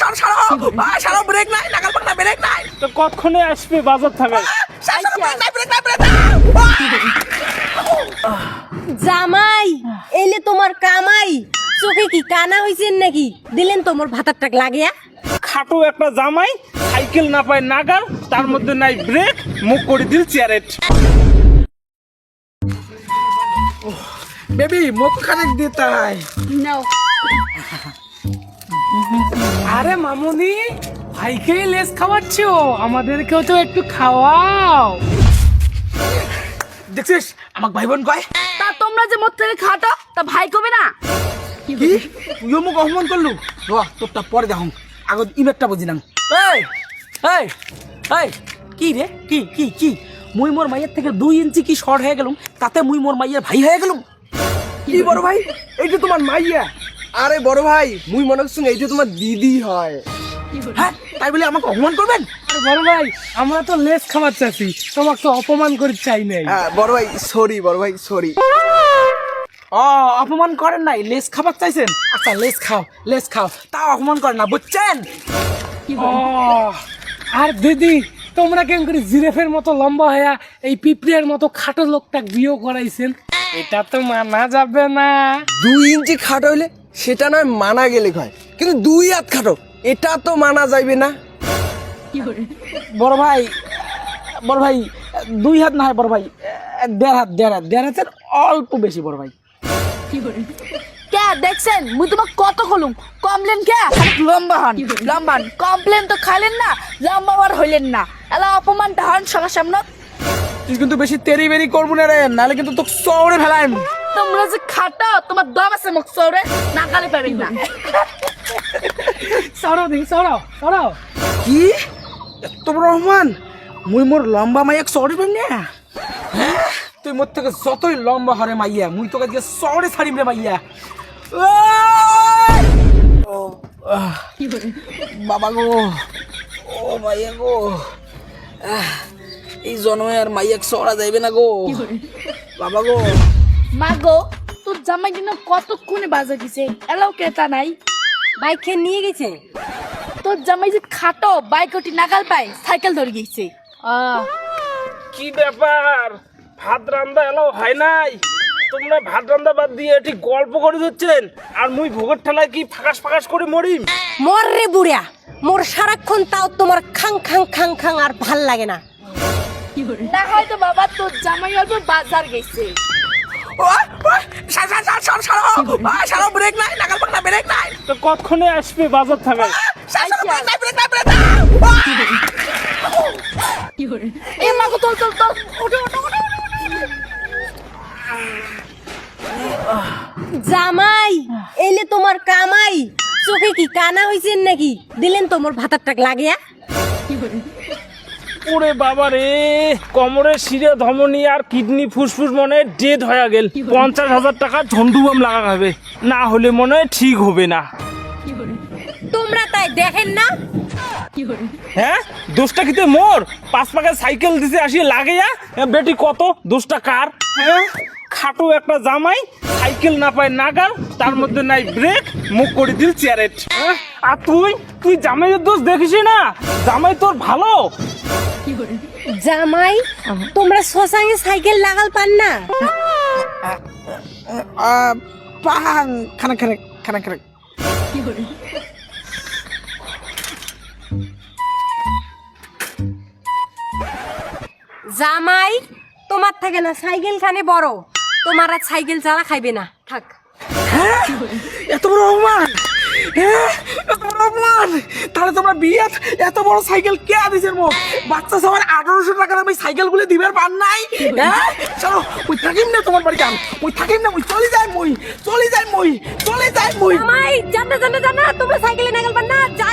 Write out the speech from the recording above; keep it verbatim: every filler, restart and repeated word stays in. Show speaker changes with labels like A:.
A: ছাড়ো ব্রেক নাই নাগাল পাক না ব্রেক নাই
B: তো কতক্ষণে আসবে বাজার থেকে?
C: জামাই এলে তোমার কামাই চোখে কি কানা হইছেন নাকি দিলেন তোমার ভাতার টাক লাগিয়া
B: খাটো একটা জামাই সাইকেল না পায় নাগাল তার মধ্যে নাই ব্রেক মুখ করে দিল চেয়ারেট।
A: বেবি মুখ খানিক দিতাই
D: নাও
E: আরে মামুনি ভাইকে লেস খাওয়াচ্ছো আমাদেরকেও তো একটু খাওয়াও।
A: দেখছিস আমাক ভাই বোন কয়
D: তা তোমরা যে মোট থেকে খাটো তা ভাই কবে না
A: কি তুইও মুখ অপমান করলু র তোরটা পরে দেখুন আগত ইমেটটা বুঝিলাম। এই এই এই কি রে কি কি কি মুই মোর মাইয়ের থেকে দুই ইঞ্চি কি শর্ট হয়ে গেলুম তাতে মুই মোর মাইয়ের ভাই হয়ে গেলুম। কি বড় ভাই এইটা তোমার মাইয়া?
F: আরে বড় ভাই মুই মনে করছি এইটা তোমার দিদি হয়।
A: হ্যাঁ তাই বলে আমাকে অপমান করবেন?
E: আরে বড় ভাই আমরা তো লেস খাওয়াচ্ছি তোমাকে তো অপমান করে চাই নাই।
F: হ্যাঁ বড় ভাই সরি বড় ভাই সরি।
A: ও অপমান করেন নাই লেস খাবার চাইছেন? আচ্ছা লেস খাও লেস খাও তাও অপমান করেন না বুঝছেন?
E: ও আর দিদি তোমরা কেন করে জিরাফের মতো লম্বা হয়ে এই পিঁপড়ের মতো খাটো লোকটা বিয়ে করাইছেন? এটা তো মানা যাবে না।
F: দুই ইঞ্চি খাটো হইলে সেটা নয় মানা গেলে হয়, কিন্তু দুই হাত খাটো এটা তো মানা যাইবে না।
A: বড় ভাই বড় ভাই দুই হাত না হয় বড় ভাই দেড় হাত দেড় হাত দেড় হাতের অল্প বেশি বড় ভাই।
D: কে দেখছেন মুই তোমাক কত কলুম কমপ্লেন কে লম্বা হন লম্বা হন কমপ্লেন তো খাইলেন না লম্বা আর হইলেন না এলা অপমানটা হন সবার সামনে।
A: তুই কিন্তু বেশি তেরি বেরি করবো না রে নাহলে কিন্তু তোকে চৌড়ে ফেলাইম।
D: তোমরা যে খাটো তোমার দম আছে মুখ চৌড়ে না গালি পাবেন না।
E: সরাও দিদি সরাও সরাও।
A: কি এত বড় রহমান মুই মোর লম্বা মাইয়া চৌড়ে পাইম না? হ্যাঁ তুই মোর থেকে যতই লম্বা হরে মাইয়া মুই তোকে দিয়ে চৌড়ে ছাড়িম রে মাইয়া। ও আহ, বাবা গো ও মাইয়া গো আহ, এই জন্মে আর মাইয়া চড়া যাইবে না গো বাবা গো।
D: মা গো তোর জামাই দিন কতক্ষণে বাজার দিছে এলাও কেতা নাই
C: বাইক খেয়ে নিয়ে গেছে।
D: তোর জামাই যে খাটো বাইক ওটি নাগাল পায় সাইকেল ধরে গেছে।
B: কি ব্যাপার ভাত রান্দা এলাও হয় নাই? তোমরা ভাত রান্দা বাদ দিয়ে এটি গল্প করে দিচ্ছেন আর মুই ভোগের ঠেলায় কি ফাঁকাস ফাঁকাস করে মরিম?
C: মর রে বুড়া মোর সারাক্ষণ তাও তোমার খাং খাং খাং খাং আর ভাল লাগে না।
D: না হয়তো বাবা তোর জামাই অল্প বাজার গেছে।
A: সারা ব্রেক নাই নাগাল পাক না ব্রেক নাই
B: তো কতক্ষণে আসবে বাজার থেকে?
D: এ মা গো তোল তোল তোল ওঠো ওঠো ওঠো।
C: জামাই এলে তোমার কামাই চোখে কি কানা হইছেন নাকি দিলেন তোমার ভাতার টাক লাগিয়া
B: ওরে বাবা রে কোমরে শিরে ধমনী আর কিডনি ফুসফুস মনে ডেড হয়ে গেল। পঞ্চাশ হাজার টাকা ঝন্ডুবাম লাগা হবে না হলে মনে হয় ঠিক হবে না।
C: তোমরা তাই দেখেন না?
B: হ্যাঁ দোষটা কিতে মোর? পাঁচ পাকা সাইকেল দিছে আসিয়ে লাগেয়া বেটি কত দোষটা কার? হ্যাঁ খাটো একটা জামাই সাইকেল না পায় নাগাল তার মধ্যে নাই ব্রেক মুখ করে দিল চেয়ারেট। হ্যাঁ আর তুই তুই জামাইয়ের দোষ দেখিস না? জামাই তোর ভালো
C: জামাই তোমরা শ্মশানে সাইকেল লাগাল পান না?
A: পান খানা খানা খানা খানা
C: জামাই তোমার থাকে না সাইকেল খানে বড় তোমার আর সাইকেল চালা খাইবে না থাক।
A: এত বড় অপমান হ্যাঁ এত বড় অপমান তাহলে তোমরা বিয়ে এত বড় সাইকেল কে দিছে মোট বাচ্চা সবার আঠারোশো টাকা দামে সাইকেল গুলো দিবার পান নাই? হ্যাঁ চলো ওই থাকিম না তোমার বাড়ি যান ওই থাকিম না ওই চলে যায় মই চলে যায় মই চলে যায় মই।
C: জামাই জানা জানা জানা তোমরা সাইকেলে নাগাল পান না।